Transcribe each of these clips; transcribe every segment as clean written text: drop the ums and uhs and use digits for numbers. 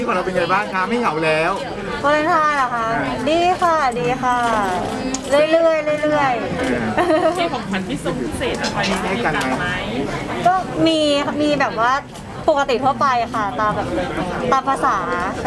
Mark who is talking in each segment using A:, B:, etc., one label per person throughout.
A: ที่ของเราเป็นไงบ้างคะไม่เหงาแล้ว
B: วาเลนไทน์เหรอคะดีค่ะดีค่ะเรื่อยๆเรื่อยๆ
C: มีของขวัญพิเศษอะไรให้กันไหม
B: ก็มีแบบว่าปกติทั่วไปค่ะตามแบบตามภาษาใช่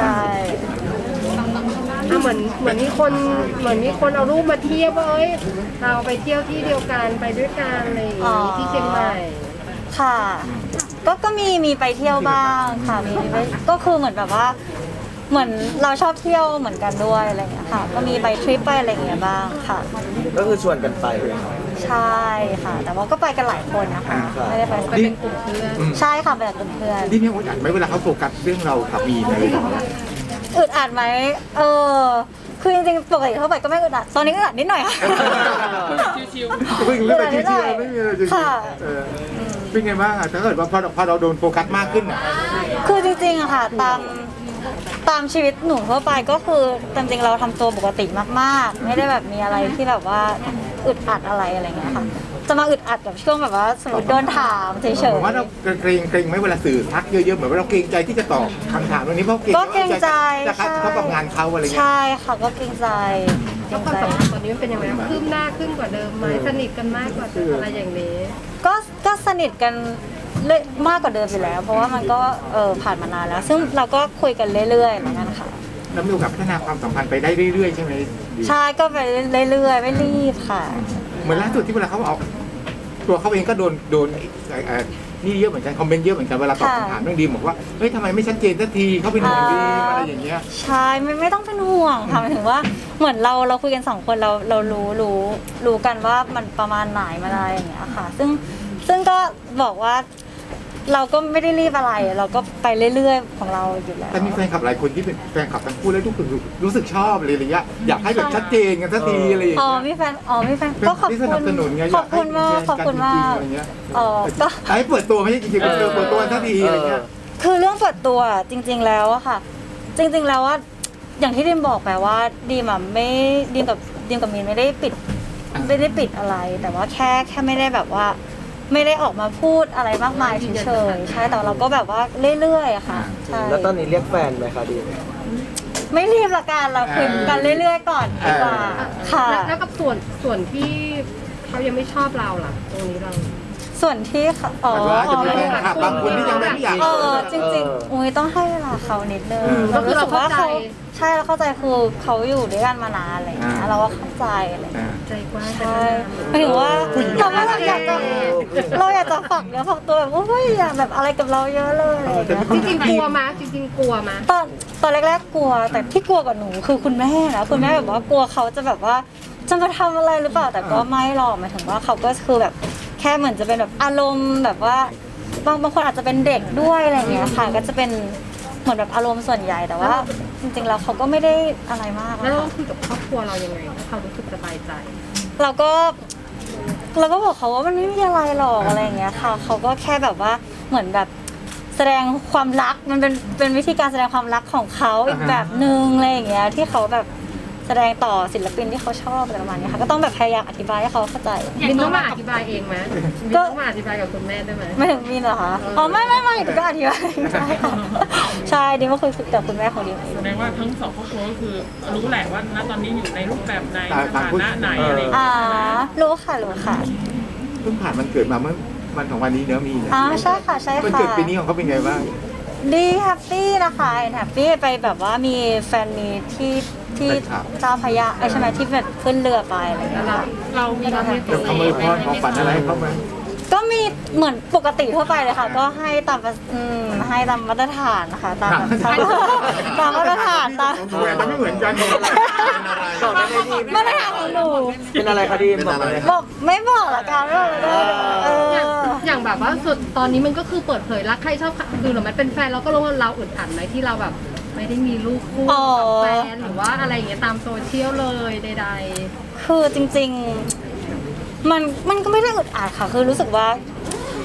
D: เหมือนมีคนเอารูปมาเทียบว่าเอ้ยเราไปเที่ยวที่เดียวกันไปด้วยกันอะไรอย่างงี้ที่เชียงใหม่
B: ค่ะก็มีไปเที่ยวบ้างค่ะมีไปก็คือเหมือนแบบว่าเหมือนเราชอบเที่ยวเหมือนกันด้วยอะไรอย่างเงี้ยค่ะก็มีไปทริปไปอะไรอย่างเงี้ยบ้างค่ะ
E: ก็คือชวนกันไป
B: ใช่ค่ะ แต่ว่าก็ไปกันหลายคนนะคะไม่ได้ไป
A: ดิ
D: เป็นกลุ่มเพื่อน
B: ใช่ค่ะไปกับเพื่อน
A: ดิมีอึดอัดไหมเวลาเขาโฟกัสเรื่องเรากับมีนอะไรอย่างเงี้ย
B: อึดอัดไหมคือจริงๆปกติเข้าไปก็ไม่อึดอัดตอนนี้อึดอัดนิดหน่อยค่ะ
C: ชิว
A: เพิ่งเรื่องอะไรที่ไม่มีอะไรจริง
B: ค่ะ
A: เป็นไงบ้างอะถ้าเกิดว่าพอเราโดนโฟกัสมากขึ้นอะ
B: คือจริงๆอะค่ะตามชีวิตหนูทั่วไปก็คือจริงๆเราทำตัวปกติมากๆ ไม่ได้แบบมีอะไรที่แบบว่าอึดอัดอะไรเงี้ยค่ะจะมาอึดอัดแบบช่วงแบบว่าสมมติโดนถามเฉย
A: ผมว่าเราเกรงไหมเวลาสื่อทักเยอะๆเหมือนว่าเราเกรงใจที่จะตอบคำถามวันนี้เพราะ
B: ๆก็เกรงใจ
A: จะคัดเข้ากับงานเขาอะไรเงี้ย
B: ใช่ค่ะก็เกรงใจเกร
D: แล้ว
B: ง
D: ความ
B: ใจ
D: สัมพันธ์ตอนนี้มันเป็นยังไงคืบหน้าขึ้นกว่าเดิมไหมสนิทกันมากกว่าเดิมอะไรอย่างนี้
B: ก็สนิทกันมากกว่าเดิมอยู่แล้ว เพราะว่ามันก็ผ่านมานานแล้ว ซึ่งเราก็คุยกันเรื่อยๆเหมือนกันค่ะ
A: แล้วมีโอกาสพัฒนาความสัมพันธ์ไปได้เรื่อยๆใช่ไหมดี
B: ใช่ก็ไปเรื่อยๆไม่รีบค่ะ
A: เหมือนล่าสุดที่เวลาเขาเอาตัวเขาเองก็โดนนี่เยอะเหมือนกันคอมเมนต์เยอะเหมือนกันเวลาตอบคำถามเรื่องดีมบอกว่าเฮ้ยทำไมไม่ชัดเจนสักทีเขาเป็นห่วงดีมอะไรอย่างเงี้ย
B: ใช่ไม่ต้องเป็นห่วงค่ะหมายถึงว่าเหมือนเราคุยกันสองคนเรารู้กันว่ามันประมาณไหนมาอะไรอย่างเงี้ยค่ะ ซึ่งก็บอกว่าเราก็ไม่ได้รีบอะไร เราก็ไปเรื่อยๆของเราอยู่แล้ว
A: แต่มีแฟนคลับหลายคนที่เป็นแฟนคลับทั้งคู่แล้วรู้สึกชอบเลยอะไรเงี้ยอยากให้แบบชัดเจนกันสักทีอะไรอย่าง
B: อ๋อ
A: เงี้ย
B: มีแฟนก็ขอบ
A: ที่
B: คุ
A: สนับสนุน
B: ณ
A: ไง
B: ขอบคุณมากขอบคุณมาก
A: อะไรเงี้ย
B: อ๋อก็
A: ให้เปิดตัวไม่ใช่จริงๆเปิดตัวสักทีอะไรเงี้ย
B: คือเรื่องเปิดตัวจริง ๆแล้วอะค่ะ จริง ๆแล้วว่าอย่างที่ดิมบอกไปว่าดิมอะไม่ดิมกับมีนไม่ได้ปิดอะไร แต่ว่าแค่ไม่ได้แบบว่า ไม่ได้ออกมาพูดอะไรมากมายเฉยๆใช่แต่เราก็แบบว่าเรื่อยๆอะค่ะใช่
E: แล้วตอนนี้เรียกแฟนไหมคะดี
B: ไม่รีบละกันเราคุยกันเรื่อยๆก่อนดีกว่าค่ะ
D: แล้วกับส่วนที่เขายังไม่ชอบเราล่ะตรงนี้เรา
B: ส่วนที่เขาอ๋อ
A: อาจจะมีแฟนคลับบางคนที่ยังไม่อยาก
B: จริงๆอุ้ยต้องให้เวลาเขานิดนึง
D: ก็คือเราเข้าใจ
B: ใช่เราเข้าใจคือเขาอยู่ด้วยกันมานานอะไรอย่างเงี้ยเราก็เข้าใจอะไรอย่างเงี้ย
D: ใจกว้าง
B: ใช่หมายถึงว่าเราอยากจะฝักเนื้อฝักตัวแบบว่าอยากแบบอะไรกับเราเยอะเลยอะไรอย่างเงี้ย
D: จริงๆกลัวมาจริงๆกลัวมา
B: ตอนแรกๆกลัวแต่ที่กลัวกับหนูคือคุณแม่นะคุณแม่แบบว่ากลัวเขาจะแบบว่าจะมาทำอะไรหรือเปล่าแต่ก็ไม่หรอกหมายถึงว่าเขาก็คือแบบแค่เหมือนจะเป็นแบบอารมณ์แบบว่าบางคนอาจจะเป็นเด็กด้วยอะไรอย่างเงี้ยค่ะก็จะเป็นเหมือนแบบอารมณ์ส่วนใหญ่แต่ว่าจริงๆแล้วเขาก็ไม่ได้อะไรมาก
D: แล้วเรา
B: อะ
D: คุยกับครอบครัวเรายังไงให้เขารู้สึกสบายใจ
B: เราก็บอกเขาว่ามันไม่มีอะไรหรอกอะไรอย่างเงี้ยค่ะเขาก็แค่แบบว่าเหมือนแบบแสดงความรักมันเป็นวิธีการแสดงความรักของเขาอีกแบบนึงอะไรอย่างเงี้ยที่เขาแบบแสดงต่อศิลปินที่เขาชอบอะไรประมาณนี้ค่ะก็ต้องแบบพยายามอธิบายให้เขาเข้าใจ
D: บินต้องมาอธิบายเองไหมบินต้องมาอธิบายกับคุณแม่ได้ไหม
B: ไม่ถึงมีนเหรอคะอ๋อไม่ก็อธิบายใช่ค่ะใช่ดิมก็คุยกับคุณแม่ของดิมเอง
C: แสดงว่าทั้งสองครอบครัวก็คือรู้แหละว่าณตอนนี้อยู่ในรูปแบบไหนสถานะไหนอะไรอย่างเงี้ย
B: รู้ค่ะ
A: เพิ่งผ่านมันเกิดมาเมื่อวันของวันนี้เนื้อมี
B: ใช่ค่ะ
A: มัน
B: ค่ะ
A: เกิดปีนี้ของเขาเป็นไงบ้าง
B: ดีแฮปปี้นะคะแฮปปี้ไปแบบว่ามีแฟนมีที่เจ้าพระยาใช่ไหมที่แบบขึ้นเรือไปอะไรอย่างเงี้ยค่ะ
C: เรามีความ
A: เดี๋ยวเขาไม่พรของฝันอะไรให้เขาไหม
B: ก็มีเหมือนปกติทั่วไปเลยค่ะ ก็ให้ตามให้ตามมาตรฐานนะคะตามมาตรฐานตาม
A: ของแหวนมันไม่เหมือนกัน
B: มาตรฐานของหนู
E: เป็นอะไรคะดีมบอกมาเลย
B: บอกไม่บอกละกันว่า
D: อย่างแบบว่าสุดตอนนี้มันก็คือเปิดเผยรักใครชอบคือหรือมันเป็นแฟนเราก็รู้ว่าเราอึดอัดไหมที่เราแบบไม่ได้มีลูกคู่กับแฟนหรือว่าอะไรอย่างเงี้ยตามโซเชียลเลยใด
B: คือจริงๆมันก็ไม่ได้อึดอัดค่ะคือรู้สึกว่า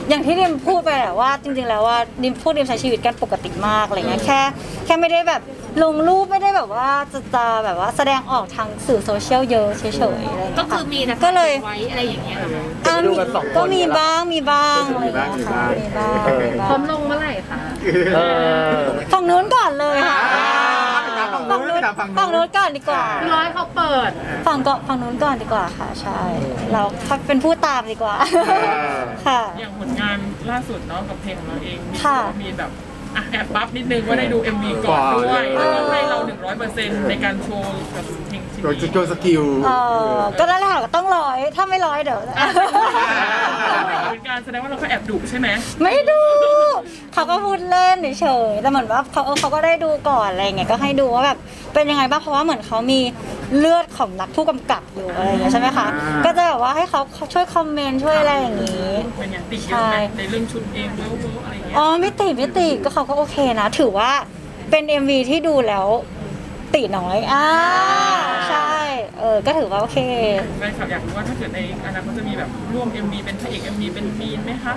B: อย่างที่ดิมพูดไปแหละว่าจริงๆแล้วว่าดิมใช้ชีวิตกันปกติมากอะไรเงี้ยแค่ไม่ได้แบบลงรูปไม่ได้แบบว่าจะแบบว่าแสดงออกทางสื่อโซเชียลเยอะเฉยๆอะไรเงี้ย
F: ก็คือมีนะ
B: ก็เลย
F: ไว้อะไรอย่างเงี้ยเหรอคะ
E: ดูกันสองคน
B: ก็มีบ้างอะไรเงี้ยค่ะมีบ้าง
D: พร้อมลงเมื่อไหร่คะ
E: เออ
B: ฝั่งนู้นก่อนเลยค่ะ
A: ฝั่งนู้น
B: ฝั่งนู้นก่อนดีกว่า
D: คือร้อยเขาเปิด
B: ฝั่งนู้นก่อนดีกว่าค่ะใช่เราเป็นผู้ตามดีกว่าค่ะ
C: อย่างผลงานล่าสุดเนาะกับเพลงของเราเองมี
B: ค่ะ
C: มีแบบแอบบัฟนิดนึงว่าได้ดู MV ก่อนด้วยแล้วก็ให้เรา 100%ในการโชว์กับเพลงชิ้น
A: โดย
C: นี้
A: โจสกิล
B: ก็นั่นแหละค่ะก็ต้อง100ถ้าไม่100เดี๋ยว
C: เป็นการแสดงว่าเราก็แอบดุใช่ไหม
B: ไม่ดูเขาก็พูดเล่นเฉยๆแต่เหมือนว่าเขาก็ได้ดูก่อนอะไรเงี้ยก็ให้ดูว่าแบบเป็นยังไงบ้างเพราะว่าเหมือนเขามีเลือดของนักผู้กำกับอยู่อะไรอย่างเงี้ยใช่ไหมคะก็จะแบบว่าให้เขาช่วยคอมเมนต์ช่วยอะไรอย่างงี้
C: เป็นอย่างติดเยอะไหมในเรื่องชุดเองเวิร์กอะไรอย่างเงี้ย
B: อ๋อไม่ติดก็เขาก็โอเคนะ ถือว่าเป็น MV ที่ดูแล้วติน้อยใช่ก็ถือว่าโอเค
C: แฟนคลับอยากรู้ว่าถ้าเกิดในอนาคตจะมีแบบร่วม MV เป็นพระเอก MV เป็นมีนไหมคะ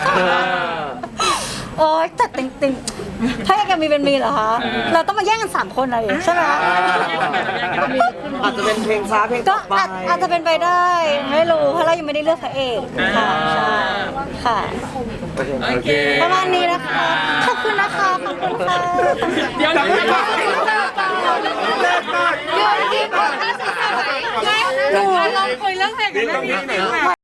B: โอ๊ยแต่ติงถ้าอยากจะมีเป็นมีเหรอคะ เราต้องมาแย่งกัน3คนเลยใช่ไหม
E: อาจจะเป็นเพลงช้าเพลง
B: ก็
E: ต่อไป
B: อาจจะเป็นไปได้ ไม่รู้เพราะเรายังไม่ได้เลือกพระเอกค่ะใช่ค่ะ
C: โอเค
B: ประมาณนี้นะคะ ขอบคุณนะคะ ขอบคุณค่ะ
C: เดี๋ยว
D: อยู่ที่คนถ้าสื่อสารไหนลองคุยเรื่องเพลงกันได้ไหม